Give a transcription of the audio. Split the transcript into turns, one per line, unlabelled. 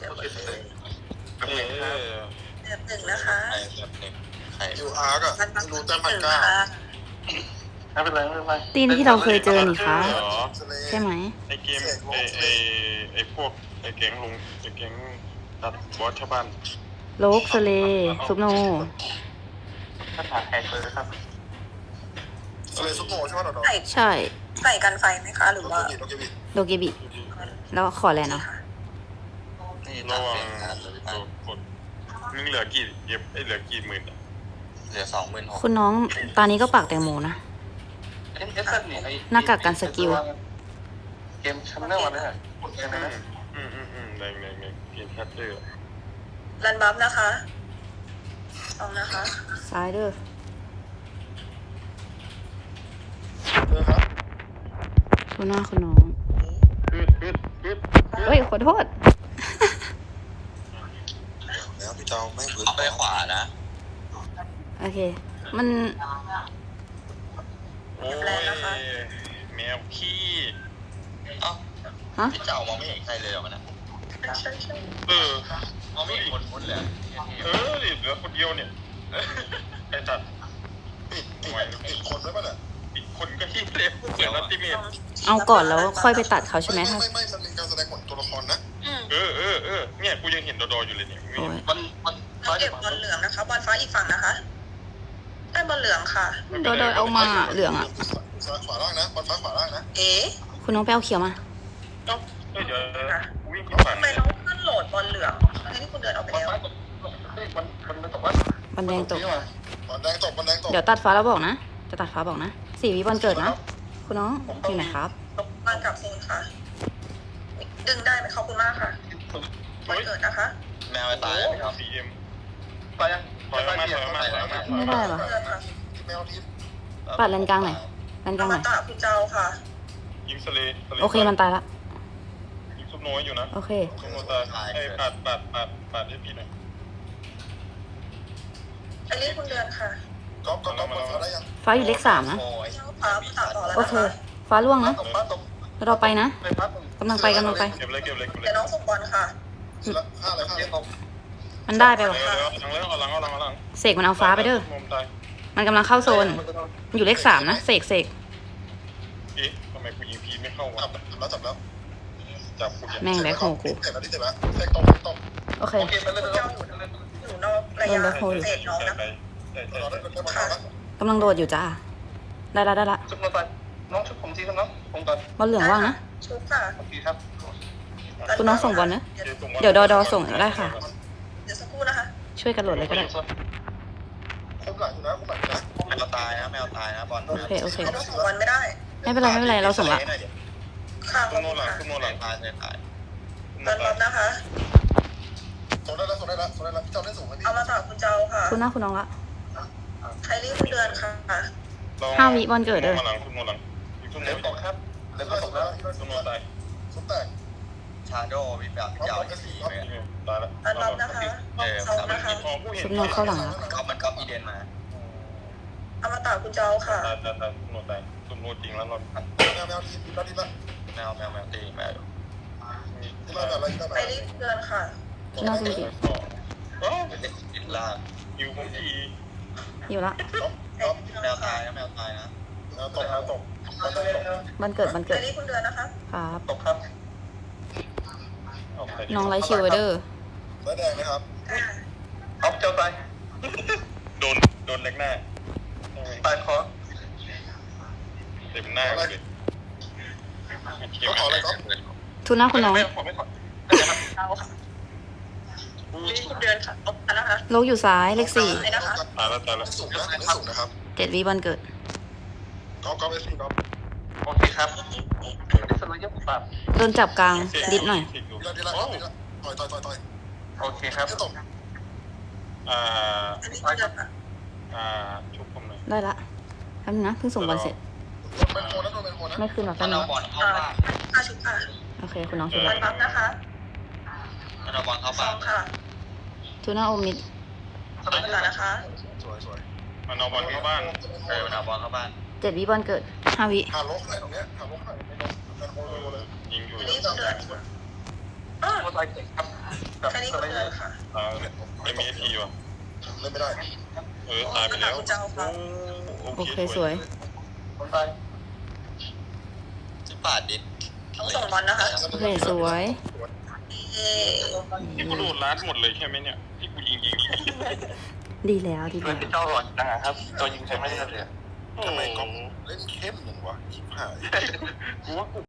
จอหมดเลย
เออ
แบบหนึ่งนะคะ
ใครแบบหนึ่งใคร
ยูอาร์ก็
มัน
ไม่รู้แต้ม
ห
พัน
นึ่ง
เก้า
ค่ะ
ไม่เป็นไรไม่เป็นไร
ตีนที่เราเคยเจอนี่คะ
เหรอ
ใช่ไหม
ไอเกมไอพวกไอแก๊งลุงไอแก๊งตัดบอสชาวบ้าน
โลกสเลซุปโน
ถ้าถามแขกเลยครับ
ทะเลซุปโนใช่ไหมหรอ
ใส่
ใช่
ใส่กันไฟไหมคะ หรือว่า
โอเคบิ
โดเกบิ แล้วขออะไรเนาะ
นี่ระวังกดมึงเหลือกี่เย็บเหลือกี่หมื่น
เหลือ26,000
คุณน้องตอนนี้ก็ปากแตงโมนะ หน้ากากกันสกิล
เกมชั้นเรื่องวันนี้กดเกมเลยนะ
แรงเกมแคทเตอร์
รันบัฟนะคะลองนะคะ
ซ้ายเด้อ
เจอครับ
คุณน้าคุณน้อง
ปึ๊ด
เฮ้ย ขอโทษ
แล้วพี่เจ้าแม่งพื้น
เอาไปขวานะ
โอเค มัน
โอ้ยแมวขี้
เอ้า
ฮะ
พี่เจ้ามองไม่เห็นใครเลยเหรอมันนะ
ใช่ใช่
มองไม่เห็นคนมุดเลย
ดิเหลือคนเดียวเนี่ยไอ้ตัด
ติดคนด้วยป่ะเนี่ย
อีกคนก็ที่เล็บเหมือนอัลติเมท
เอาก่อนแล้วค่อยไปตัดเขาใช่ไหมถ้า
ไม่มันเป็นการแสดงผลตัวละครนะ
เนี่ยกูยังเห็นดออยู่เลยเนี่ย
โอ้ย
มัน
เราเก็บบอลเหลืองนะคะ บอลฟ้าอีกฝั่งนะคะ ได้บอลเหลืองค่ะ
โดยเอามาเหลืองอ่ะ
ขวาล่างนะบอลฟ้าขวาล่างนะ
เอ๊ะ
คุณน้องไปเอาเขียวมา
เดี๋ยววิ่ง
ทำไมน้องขึ้นโหลดบอลเหลืองทั้งที่คุณเดินออกไปแล้ว
มันตกว่า
บันแดงตก
บอลแดงตกบอลแดงตก
เดี๋ยวตัดฟ้าแล้วบอกนะ จะตัดฟ้าบอกนะ4 วิบอลเกิดนะ คุณน้องอยู่ไหนครับ
บอลกลับโซนค่ะ ดึงได้ไหมขอบคุณมากค่ะบอลเกิดนะคะ
แมวตายไหมครับ
CM
ไปยัง
ถอยมา
ไม่ได้เหรอ
เกิดค่ะ
แมวทิพย์
ปัดเลนกลางหน่อยเลนกลางห
มา
น่อย
ตาคุณเจ้าค่ะ
ยิงสเล
โอเคมันตายละ
ยิงซุปน้อยอยู่นะ
โอเค
ซุปโนตายไอ้ปาดให้พี่หน่อย
อันนี้คุณเดือนค่ะ
ก๊อฟบอลฟ้าได้ยัง
ฟ้าอยู่เลข3นะ
เจ้าฟ้าตัดต่อแล้ว
โอ
นะ
เค
คะ
ฟ้าล่วงนะ
ตกป้าตก
แล้วเราไปนะ
ไปพัก
กำลังไป
เก็บเลย
เดี๋ยวน้องส่งบอลค่ะ
ห้าเลยห้าเลย
มันได้ไปหรอ
เอาหลัง
เสกมันเอาฟ้าไปเด้อ
มุมตาย
มันกำลังเข้าโซน มันอยู่เลข3นะเสก
เอ๊ะทำไมกูยิงพีไม่เข้าวะ
จับแล้ว
จับกูยัง
แม่งแบ็คโฮกู
เจ็บแล้วที่เจ็บแล้วเสกตก
โอเค
โอเคไปเลย
คุณเจ้าอยู่นอกระยะเศษน้องนะ
เราได้บอลฟ้าแล้ว
กำลังโดดอยู่จ้า ได้ละ
ชุบน้องไปน้องชุบผมทีครับน้องผมก่อน
บอลเหลืองว่างนะ
ชุบค่ะ
โอเคครับ
คุณน้องส่งบอลนะ เดี๋ยวดอส่งได้ค่ะ
เดี๋ยวสักครู่นะคะ
ช่วยกันโหลดเลยก็ได้
คุมหลังอยู่นะคุมหลังนะ
แมวตายนะแมวตายนะบอล
โอเค
เขาส่งบอลไม่ได้
ไม่เป็นไรเราส่งละ
ค่ะข
ซุ
อบ
ปโน
คุณ
หลัง
ค่ะ
ซุปโนหลัง
ตายเลยตาย
เดินรับนะคะ
ส่งได้แล้วพี่เจ้าได้สูงไหมพี่
เอามาจากคุณเจ้าค่ะ
คุณน้าคุณน้องละ
ไคลี่คุณเดือนค่ะ
5 วิบอลเกิดเด้อ
มาหลังซุปโนหลังซุปโน
เล็บตกครับเล็บตกแล้ว
ซุปโนตาย
สุดแตก
ชาโดว์มีแบบยาวที่4เลย
ตายแล้ว
เดินรับนะคะเซานะคะ
ซุปโนเข้าหลังแล้ว
มันก็อีเดนมา
เอามาจากคุณเจ้าค่ะ
ตายซุปโนตายซุปโนจริงแล้วเรา
แมวทีมทีละ
แมวตีแมว
ทีละอะไรทีละ
ไคลี่คุณเดือนค่ะ
น่าจะดี
ติดล่าง
ยิวผมที
อยู่ละ
แมวตายนะแมวตายนะ
ตกตก
บอลเกิด
ไคลี่คุณเดือนนะคะ
ครับ
ตกครับ
น้องไลท์ชิวไว้เด้อ
แล้วแดงนะครับ
เอาเจ้าตาย
โดนเล็กหน้า
ตายคอ
เต็มหน้าเลย
ขออะไรก๊อฟ
ทุนหน้าคุณน้อง
ไม่ขอ
เจ้าค่ะไคลี่คุณเดือนค่ะตบกันนะคะ
โลกอยู่ซ้ายเลข
ไอ้นะคะ
ตายแล้ว
สูงนะสูงนะครับ
4 7 วิบอลเกิด
ก๊อฟเอสซีก๊อฟ
โอเคครับดิสโลยกปรับ
โดนจับกลางดิดหน่อย
ทีละต่อย
โอเคครับ
ไม่ตก
อันนี้คุณเดือนค่ะ
ชุบผมหน่อย
ได้ละแป๊บนึงนะเพิ่งส่งบอลเสร็จ
เป็นโคนนะโดนเป็นโคนนะ
ไม่ขึ้นหรอก
มั
แป๊บ
น
นึ
เอา
ง
บอลเข้าบ้าน
ค่าชุบค่ะ
โอเคคุณน้องช่วย
รันบัฟนะคะ
มันเอาบอลเข้า
ส
บ้า
อน งค่ะ
ทุนหน้าโอมิด
สองค่ะนะคะ
สวย
มันเอาบอลเข้าบ้าน
มันเอาบอลเข้าบ้าน
7 วิบอลเกิด 5 วิ
หาลกเลยตรงเนี้ยหาลกหน่อยเป็นโคนเลย
ยิงอยู่
ไคลี่คุณเดือน
โมตายเก่งครับแบบ
แค่นี้
ส
ก็
ไล
เล
เดอย ร์
ค่ะ
ไม่มีทีว่ะ
เล่นไม่ได้
ตายไปแล้ว
โอเคสวย
คนตาย
ที่ปาดดิ
ต้องส่งบอลนะคะ
โอเคสวย
เย้
ที่กูโดนลัดหมดเลยใช่ไหมเนี่ยที่กูยิง
ดีแล้วดี
เพื่
แล้
อน
ว
ที่เจ้าหลอนจังครับตัวยิงใช้ไม่ได้เลย
โอ้โห
เล่นเข้มหนึ่งวะชิบหาย
กูว่ากู